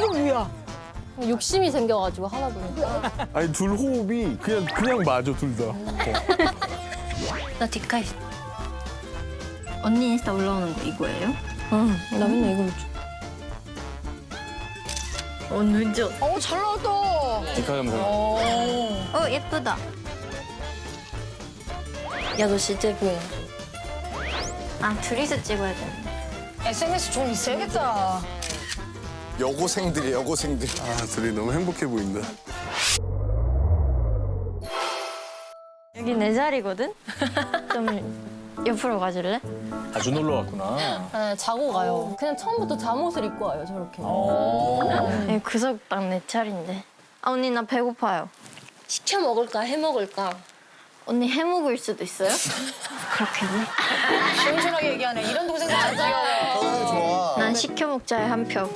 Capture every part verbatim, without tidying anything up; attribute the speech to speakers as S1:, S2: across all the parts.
S1: 엄청 위야.
S2: 욕심이 생겨가지고 하다 보니까.
S3: 아니 둘 호흡이 그냥 그냥 맞아 둘 다.
S4: 나 뒷가 있어. 언니 인스타 올라오는 거 이거예요?
S2: 응, 나 맨날 이걸로 줘.
S4: 어 늦어.
S1: 어, 잘 나왔다.
S3: 디카 영상.
S1: 어.
S4: 어 예쁘다.
S2: 야, 너 진짜 예쁘게.
S4: 아 둘이서 찍어야 되는데.
S1: 에스엔에스 좀 있어야겠다.
S5: 여고생들이 여고생들.
S3: 아 둘이 너무 행복해 보인다.
S4: 여기 내 자리거든? 좀 옆으로 가줄래?
S6: 자주 놀러 왔구나.
S2: 네, 자고 가요. 그냥 처음부터 잠옷을 입고 와요, 저렇게.
S4: 네, 구석 딱 내 차례인데. 아 언니 나 배고파요.
S2: 시켜 먹을까, 해 먹을까?
S4: 언니 해 먹을 수도 있어요? 그렇겠네.
S1: 시원시원하게 얘기하네. 이런 동생 참 귀여워.
S5: 동생 좋아.
S4: 난 시켜 먹자에 한 표.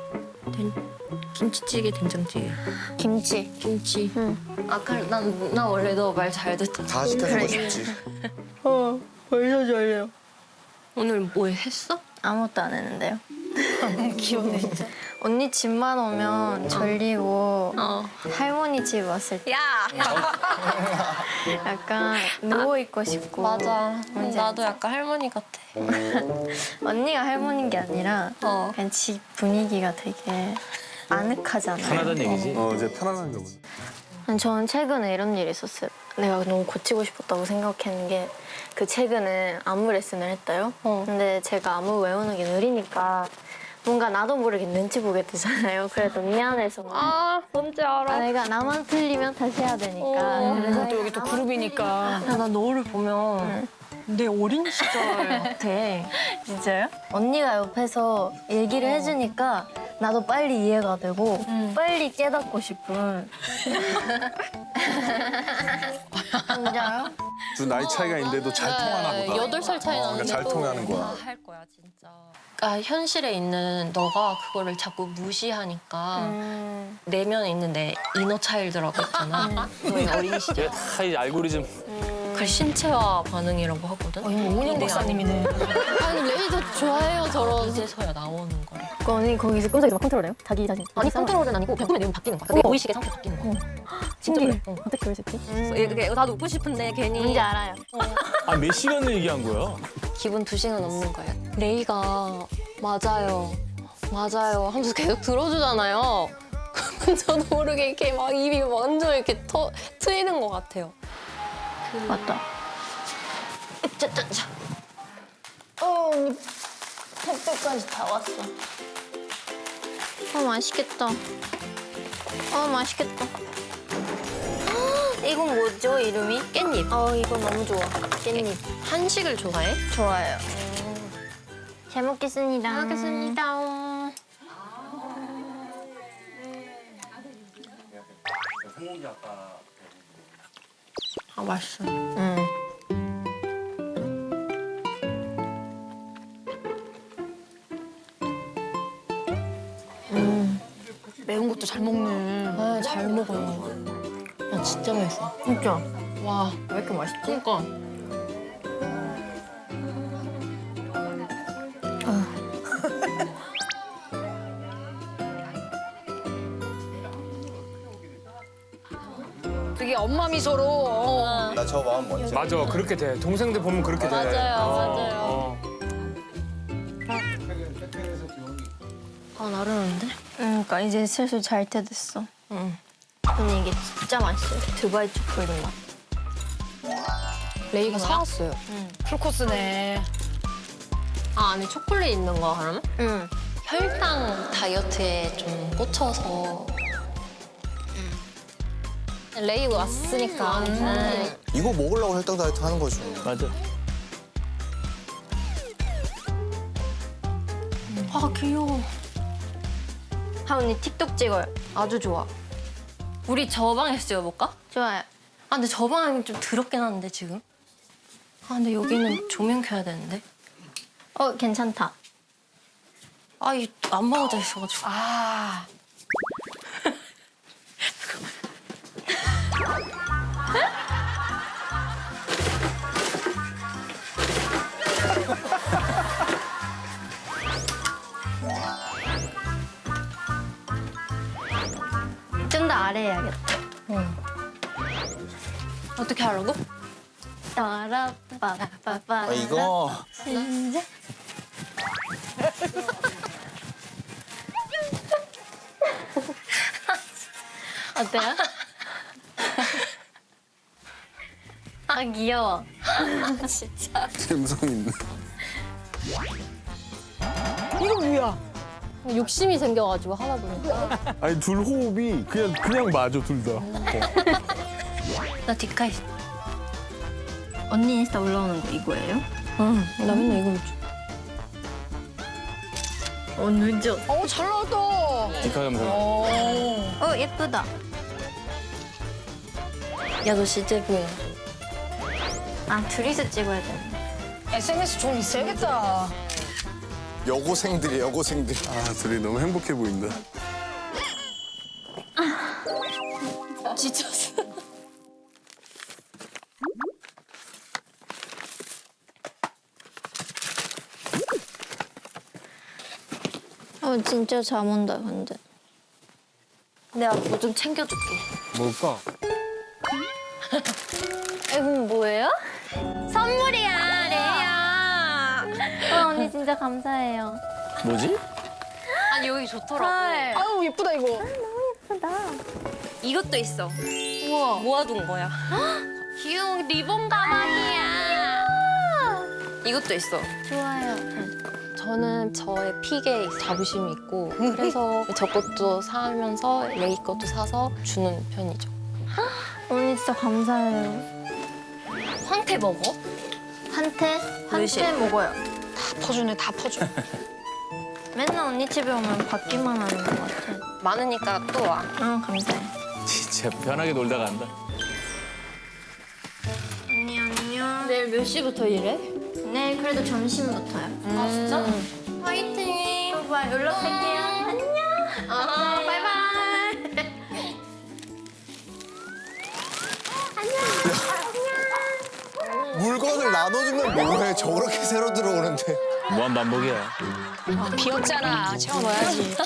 S2: 김치찌개, 된장찌개.
S4: 김치.
S2: 김치.
S4: 응.
S2: 아까 난, 나 원래 너 말 잘 듣잖아.
S5: 다 시켜주고 싶지.
S4: 어 벌써 졸려.
S2: 오늘 뭐 했어?
S4: 아무것도 안 했는데요. 귀엽네 진짜. 언니 집만 오면 졸리고
S2: 어.
S4: 할머니 집 왔을 때
S2: 야!
S4: 약간 누워 있고 싶고.
S2: 맞아.
S4: 뭔지
S2: 나도
S4: 알지?
S2: 약간 할머니 같아.
S4: 언니가 할머니인 게 아니라
S2: 어.
S4: 그냥 집 분위기가 되게 아늑하잖아요.
S6: 편하다는 얘기지.
S3: 어 이제 편안한가 보다.
S4: 아니, 저는 최근에 이런 일이 있었어요. 내가 너무 고치고 싶었다고 생각했는 게 그 최근에 안무 레슨을 했어요.
S2: 어.
S4: 근데 제가 안무 외우는 게 느리니까 뭔가 나도 모르게 눈치 보게 되잖아요. 그래도 미안해서 막.
S2: 아, 뭔지 알아.
S4: 아, 내가 나만 틀리면 다시 해야 되니까.
S2: 어.
S4: 그래서
S1: 또 여기 또 그룹이니까.
S2: 야, 나 너를 보면 내 어린 시절 같아.
S4: 진짜요? 언니가 옆에서 얘기를 해주니까 나도 빨리 이해가 되고 빨리 깨닫고 싶은. 진짜요?
S3: 둘 나이 차이가 있는데도 잘 통하나 보다.
S2: 여덟 살 차이
S3: 어,
S2: 나는데
S3: 그러니까 잘 통하는 거야.
S2: 다 할 거야, 진짜. 그러니까 현실에 있는 너가 그거를 자꾸 무시하니까
S4: 음.
S2: 내면에 있는 내 이너 차일드라고 했잖아. 너의 어린 시절.
S6: 이게 다 이제 알고리즘.
S2: 그 신체화 반응이라고 하거든.
S1: 어, 이거 오은영 박사님이네.
S2: 아니 레이저 좋아해요 저런. 이제서야 나오는 거래.
S4: 그 언니 거기서 꼼짝이 막 컨트롤해요? 자기 자신.
S2: 아니 컨트롤은 아니고 그냥 꿈의 내용이 바뀌는 거야. 내 의식의 상태 바뀌는 거야.
S4: 신기해.
S2: 어.
S4: 어떻게 그럴 수 있지?
S2: 이게 나도 웃고 싶은데 괜히
S4: 뭔지 알아요.
S6: 아 몇 시간을 얘기한 거야?
S2: 기분 두 시간 넘는 거예요. 레이가 맞아요, 맞아요 하면서 계속 들어주잖아요. 그럼 저도 모르게 이렇게 막 입이 완전 이렇게 터, 트이는 것 같아요.
S4: 맞다.
S2: 짜짜짜.
S4: 어, 언니 택배까지 다 왔어. 어, 맛있겠다. 어, 맛있겠다. 헉, 이건 뭐죠, 이름이?
S2: 깻잎.
S4: 어, 이거 너무 좋아. 깻잎.
S2: 한식을 좋아해?
S4: 좋아요. 잘 먹겠습니다.
S2: 잘 먹겠습니다. 아 맛있어.
S4: 응.
S1: 매운 것도 잘 먹네.
S2: 아, 잘 먹어요. 야, 진짜 맛있어.
S4: 진짜.
S2: 와,
S4: 왜 이렇게 맛있지?
S2: 그러니까.
S1: 되게 엄마 미소로. 어.
S5: 나 저 마음 뭔지.
S6: 맞아 그렇게 돼. 동생들 보면 그렇게 돼.
S2: 맞아요,
S6: 어,
S2: 맞아요.
S6: 어.
S2: 아, 나르는데?
S4: 응, 그러니까 이제 슬슬 잘 때 됐어.
S2: 응.
S4: 근데 이게 진짜 맛있어요. 두바이 초콜릿 맛.
S2: 레이가 사왔어요.
S1: 풀코스네.
S2: 아, 안에 초콜릿 있는 거 그러면?
S4: 응.
S2: 혈당 다이어트에 좀 꽂혀서. 레이 왔으니까. 음.
S5: 이거 먹으려고 혈당 다이어트 하는 거죠.
S6: 맞아.
S2: 아, 귀여워.
S4: 하 언니 틱톡 찍어요. 아주 좋아.
S2: 우리 저 방에서 찍어볼까?
S4: 좋아요.
S2: 아, 근데 저 방은 좀 더럽긴 한데, 지금. 아, 근데 여기는 조명 켜야 되는데.
S4: 어, 괜찮다.
S2: 아, 이 안 먹어져 있어가지고.
S1: 아.
S4: 아래 해야겠다.
S2: 어떻게 하라고?
S4: 따라빠빠빠.
S5: 아 이거
S4: 이제 어때요? 아 귀여워.
S2: 진짜.
S3: 감성 있네.
S1: 이거 뭐야?
S2: 욕심이 생겨가지고 하다 보니까.
S3: 아니 둘 호흡이 그냥 그냥 맞아 둘 다.
S4: 나 뒷가 있어. 언니 인스타 올라오는 거 이거예요?
S2: 응, 나 맨날 이거 줘.
S4: 어 늦어.
S1: 어, 잘 나왔다.
S6: 디카 감성.
S1: 어.
S4: 어 예쁘다.
S2: 야, 너 진짜 예쁘야.
S4: 아 둘이서 찍어야 돼.
S1: 에스엔에스 좀 있어야겠다.
S5: 여고생들이 여고생들.
S3: 아 둘이 너무 행복해 보인다.
S2: 지쳤어.
S4: 어 진짜 잠 온다 근데.
S2: 내가 뭐 좀 챙겨줄게.
S6: 뭘까?
S4: 이건 뭐예요? 선물이야 레이야. 어, 언니 진짜 감사해요.
S6: 뭐지?
S2: 아니, 여기 좋더라고.
S1: 아유, 예쁘다, 이거.
S4: 예쁘다.
S2: 이것도 있어.
S4: 우와.
S2: 모아둔 거야.
S4: 귀여운 리본 가방이야.
S2: 이것도 있어.
S4: 좋아요.
S2: 저는 저의 픽에 자부심이 있고 그래서 저 것도 사면서 레이 것도 사서 주는 편이죠.
S4: 언니 진짜 감사해요.
S2: 황태 먹어?
S4: 한테
S2: 몇시?
S4: 한테 먹어요.
S1: 다 퍼주네, 다 퍼줘.
S4: 맨날 언니 집에 오면 받기만 하는 것 같아.
S2: 많으니까 또 와.
S4: 어 감사해.
S6: 진짜 편하게 놀다 간다.
S4: 언니 안녕.
S2: 내일 몇 시부터 일해?
S4: 내일 그래도 점심부터요.
S2: 아 진짜?
S4: 화이팅. 오빠 연락할게요. 안녕.
S2: 아 바이바이.
S5: 물건을 나눠주면 뭐해? 저렇게 새로 들어오는데.
S6: 무한 반복이야.
S1: 비었잖아. 채워넣어야지.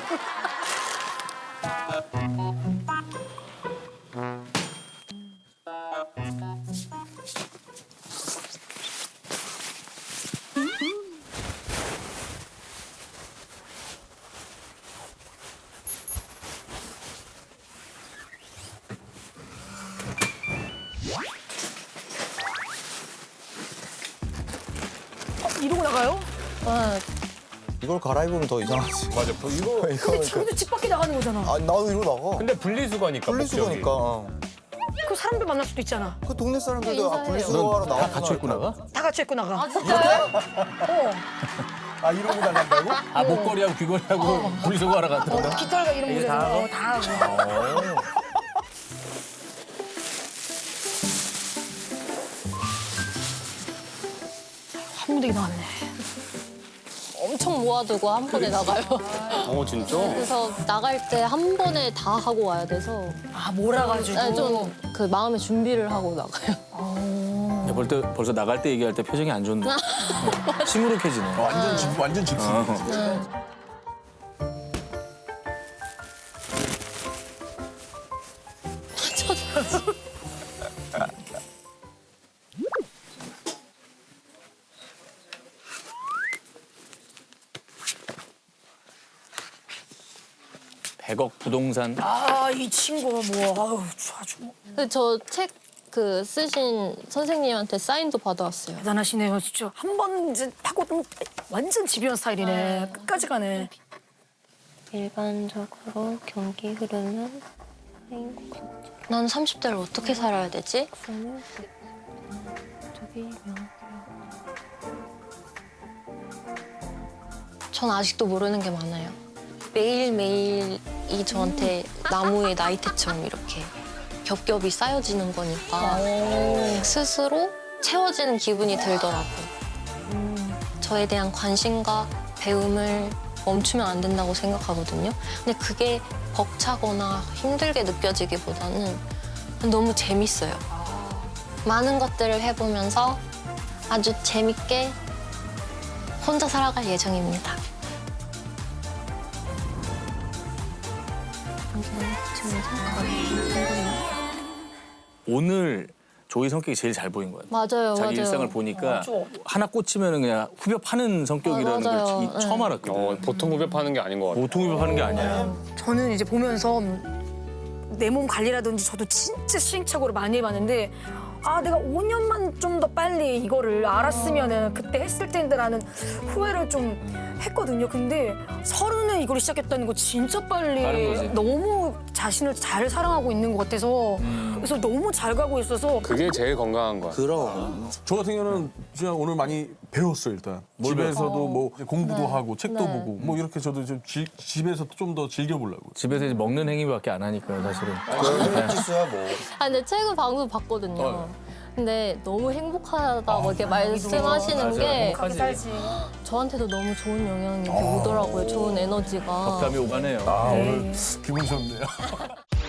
S1: 이러고 나가요?
S5: 이걸 갈아입으면 더 이상하지. 맞아. 이거 이거
S1: 근데 집 밖에 나가는 거잖아.
S5: 아 나도 이러고 나가.
S6: 근데 분리수거니까.
S5: 분리수거니까. 어.
S1: 그 사람들 만날 수도 있잖아.
S5: 그 동네 사람들도 아,
S2: 인사해요.
S5: 분리수거하러
S6: 다
S5: 나와.
S6: 갖춰 입고 나가?
S1: 다 같이 입고 나가.
S5: 아 이러고 나간다고?
S6: 아 목걸이하고 귀걸이하고 분리수거하러 갔다.
S1: 어, 깃털과 이런
S6: 이게
S1: 거
S6: 다 하고?
S1: 어, 다 하고. 한 무대기 나왔네.
S2: 엄청 모아두고 한 번에 나가요.
S6: 어 진짜?
S2: 그래서 나갈 때 한 번에 다 하고 와야 돼서
S1: 아, 몰아가지고.
S2: 좀 그 마음의 준비를 하고 나가요.
S6: 근데 벌써, 벌써 나갈 때 얘기할 때 표정이 안 좋은데. 어, 시무룩해지네.
S3: 완전 집 완전 집중.
S6: 어. 백억 부동산.
S1: 아, 이 친구가 뭐, 아유, 아주 뭐.
S2: 저 책 그 쓰신 선생님한테 사인도 받아왔어요.
S1: 대단하시네요, 진짜. 한 번 이제 파고들면 완전 집요한 스타일이네. 끝까지 가네.
S2: 일반적으로 경기 흐르는 난 삼십 대를 어떻게 살아야 되지? 전 아직도 모르는 게 많아요. 매일매일이 저한테 나무의 나이테처럼 이렇게 겹겹이 쌓여지는 거니까 스스로 채워지는 기분이 들더라고요. 저에 대한 관심과 배움을 멈추면 안 된다고 생각하거든요. 근데 그게 벅차거나 힘들게 느껴지기보다는 너무 재밌어요. 많은 것들을 해보면서 아주 재밌게 혼자 살아갈 예정입니다.
S6: 오늘 조이 성격이 제일 잘 보인 거야.
S2: 맞아요,
S6: 자기
S2: 맞아요.
S6: 일상을 보니까
S1: 맞아.
S6: 하나 꽂히면 그냥 후벼 파는 성격이라는
S2: 아, 맞아요.
S6: 걸 이-
S2: 네.
S6: 처음 알았거든.
S7: 어, 보통 후벼 파는 게 아닌 것 같아.
S6: 보통 후벼 파는 게 아니야.
S1: 저는 이제 보면서 내 몸 관리라든지 저도 진짜 시행착오를 많이 해봤는데 아 내가 오 년만 좀 더 빨리 이거를 알았으면은 그때 했을 텐데라는 후회를 좀 했거든요. 근데 서른에 이걸 시작했다는 거 진짜
S6: 빠른
S1: 빨리
S6: 거지.
S1: 너무 자신을 잘 사랑하고 있는 것 같아서 그래서 너무 잘 가고 있어서
S7: 그게 제일 건강한 거야.
S5: 그럼.
S3: 저 같은 경우는 진짜 오늘 많이 배웠어요 일단. 집에서도 뭐 공부도 하고 책도
S2: 네.
S3: 보고 뭐 이렇게 저도 좀 지- 집에서 좀 더 즐겨보려고.
S6: 집에서 이제 먹는 행위밖에 안 하니까 사실은.
S5: 지수야 뭐.
S2: 아, 근데 최근 방송 봤거든요.
S6: 어.
S2: 근데 너무 행복하다 뭐 이렇게 말씀하시는
S6: 맞아,
S2: 게
S6: 행복하지.
S1: 살지.
S2: 저한테도 너무 좋은 영향이 이렇게 오더라고요. 좋은 에너지가.
S6: 감이 오가네요.
S3: 아 오늘 기분 좋네요.